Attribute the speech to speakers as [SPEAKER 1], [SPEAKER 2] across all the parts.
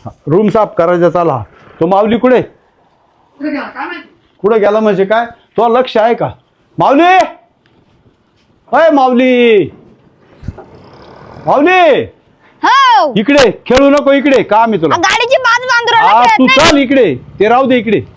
[SPEAKER 1] Room साफ करायचा चला. तो माऊली कुठे कुठे गेला म्हणजे काय तो लक्ष आहे का? माऊली अय माऊली माऊली
[SPEAKER 2] हो
[SPEAKER 1] इकडे खेळू नको इकडे काम आहे तुला.
[SPEAKER 2] गाडीची बाजू
[SPEAKER 1] तू
[SPEAKER 2] बांधून
[SPEAKER 1] चल इकडे ते राहू दे इकडे.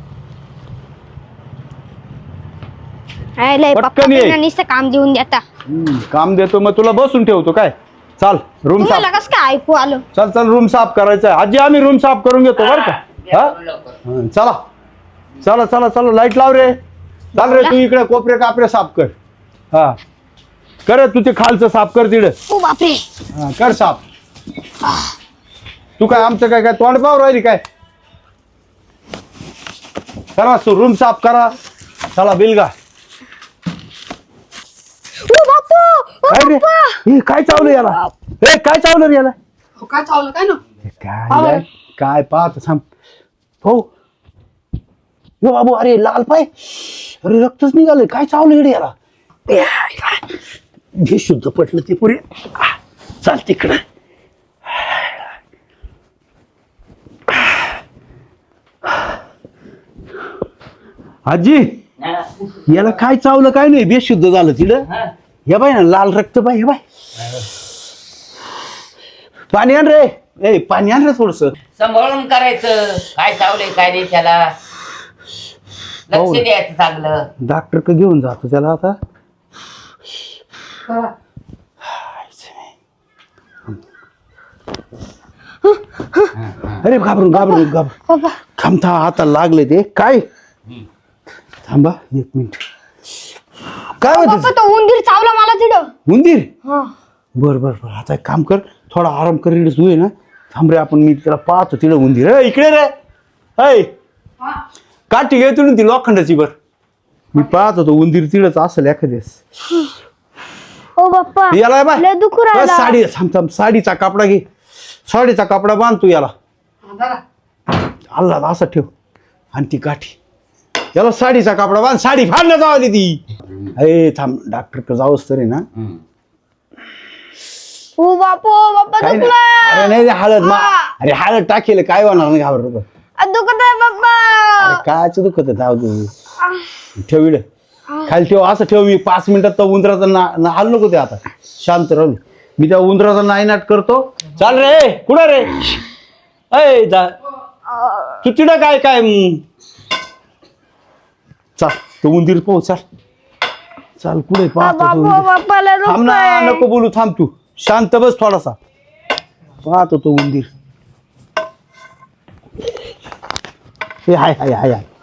[SPEAKER 1] पटकन ये.
[SPEAKER 2] नुसतं काम देऊन देता.
[SPEAKER 1] काम देतो मग तुला बसून ठेवतो काय. चाल रूम साफ
[SPEAKER 2] तुम्हाला कसं काय ऐकू आलं?
[SPEAKER 1] चल चल रूम साफ करायचा आहे. आजी आम्ही रूम साफ करून घेतो बरं का. हा चला चला चला चला लाईट लाव रे. चाल रे तू इकडे कोपरे कापरे साफ कर. हा कर तू ते खालचं साफ कर तिकडे.
[SPEAKER 2] ओ बापरे
[SPEAKER 1] हा कर साफ. तू काय आमचं काय काय तोंड पाव राहिली काय. करा तू रूम साफ करा. चला बिलगा.
[SPEAKER 2] ओ बापू
[SPEAKER 1] काय रे हे काय चावलं याला. हे काय चावलं रे याला.
[SPEAKER 3] काय चावलं काय ना
[SPEAKER 1] काय काय पाहत थांब. हो यो बाबू अरे लाल पाय अरे रक्तच निघालं. काय चावलं इकडे याला. हे शुद्ध पटलं ते पुरे. चाल तिकडं. आजी याला काय चावलं काय नाही बेशुद्ध झालं तिकडं. हे बाय ना लाल रक्त बाय हे बाय. पाणी आण रे. ए पाणी आण रे थोडस.
[SPEAKER 4] सांभाळून करायचं काय चावलंय काय नाही त्याला लक्ष द्यायचं चांगलं.
[SPEAKER 1] डॉक्टर क घेऊन जातो त्याला आता. अरे घाबरून घाबरून घाबरून थांबता आता लागले ते काय. थांबा 1 मिनिट. काय
[SPEAKER 2] बापू तो उंदीर चावला मला तिथं.
[SPEAKER 1] उंदीर बर बर बर आता एक काम कर थोडा आराम कर. तू आहे ना थांब रे आपण मी त्याला पाहतो तिला उंदीर. इकडे रे ऐ काठी घे तुला ती लोखंडाची बर. मी पाहतो तो उंदीर तिडच असेल एखाद्यास.
[SPEAKER 2] ओ बाप्पा
[SPEAKER 1] याला बाय
[SPEAKER 2] लय दुखू राहिला.
[SPEAKER 1] साडी थांब थांब साडीचा कपडा घे. साडीचा कपडा बांध तू याला. अल्ला असा ठेव आणि ती काठी. याला साडीचा कपडा बांध. साडी फाडण्यात जावली ती. अरे थांब डॉक्टर कडे जाऊस तरी ना.
[SPEAKER 2] ओ बापू बाप्पा
[SPEAKER 1] काय नाही.
[SPEAKER 2] दुखला.
[SPEAKER 1] अरे नाही हळद अरे हळद टाकेल काय होणार नाही घाबर.
[SPEAKER 2] दुखत आहे बाप्पा.
[SPEAKER 1] कायच दुखत जाऊ तू ठेव इकडे खाली ठेव. असं ठेव मी 5 मिनिटात तर उंदराचा हाल नको ते आता शांत राहू. मी त्या उंदराचा नायनाट करतो. चाल रे कुठं रे. अय जा तू तिडं काय काय चाल तो उंदीर पाहू. चाल चाल कुठे
[SPEAKER 2] बापू
[SPEAKER 1] पाहतो.
[SPEAKER 2] बाप्पाला
[SPEAKER 1] थांब ना
[SPEAKER 2] दुखतंय.
[SPEAKER 1] नको बोलू थांब तू शांत बस थोडासा. पाहतो तो उंदीर. हे हाय हाय हाय हाय